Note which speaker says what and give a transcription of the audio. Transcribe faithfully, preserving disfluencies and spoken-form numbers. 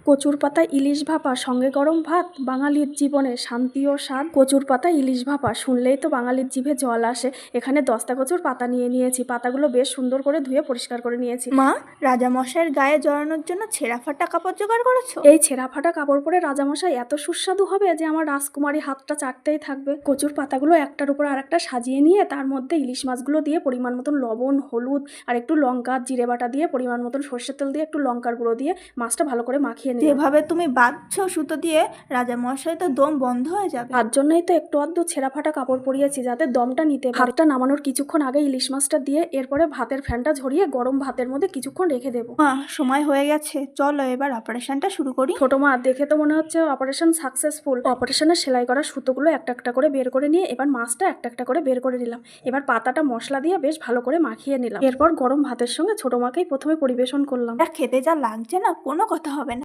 Speaker 1: কচুর পাতা ইলিশ ভাপা সঙ্গে গরম ভাত, বাঙালির জীবনে শান্তি ও স্বাদ। কচুর পাতা ইলিশ ভাপা শুনলেই তো বাঙালির জিভে জল আসে। এখানে দশটা কচুর পাতা নিয়ে নিয়েছি। পাতাগুলো বেশ সুন্দর করে ধুয়ে পরিষ্কার করে নিয়েছি।
Speaker 2: মা, রাজামশাইয়ের গায়ে জড়ানোর জন্য ছেঁড়া ফাটা কাপড় জোগাড় করেছো?
Speaker 1: এই ছেঁড়া ফাটা কাপড় পরে রাজামশাই এত সুস্বাদু হবে যে আমার রাজকুমারী হাতটা চাটতেই থাকবে। কচুর পাতাগুলো একটার উপর আর একটা সাজিয়ে নিয়ে তার মধ্যে ইলিশ মাছগুলো দিয়ে পরিমাণ মতন লবণ, হলুদ আর একটু লঙ্কা, জিরে বাটা দিয়ে পরিমাণ মতন সর্ষের তেল দিয়ে একটু লঙ্কার গুঁড়ো দিয়ে মাছটা ভালো করে মাখিয়ে নিই।
Speaker 2: যেভাবে তুমি বাঁধছো সুতো দিয়ে, রাজামশাই তো দম বন্ধ হয়ে যাবে।
Speaker 1: তার জন্যই তো একটু আধটু ছেঁড়া ফাটা কাপড় পরিয়েছি যাতে দমটা নিতে পারে। ভাতটা নামানোর কিছুক্ষণ আগে ইলিশ মাছটা দিয়ে এরপরে ভাতের ফ্যানটা ঝরিয়ে গরম ভাতের মধ্যে কিছুক্ষণ রেখে দেবো।
Speaker 2: মা, সময় হয়ে গেছে, চলো এবার অপারেশনটা শুরু করি।
Speaker 1: ছোট মা, দেখে তো মনে হচ্ছে অপারেশন সাকসেসফুল। অপারেশনের সেলাই করা সুতোগুলো একটা একটা করে বের করে নিয়ে এবার মাছটা একটা একটা করে বের করে নিলাম। এবার পাতাটা মশলা দিয়ে বেশ ভালো করে মাখিয়ে নিলাম। এরপর গরম ভাতের সঙ্গে ছোট মাকেই প্রথমে পরিবেশন করলাম।
Speaker 2: আর খেতে যা লাগছে না, কোনো কথা হবে না।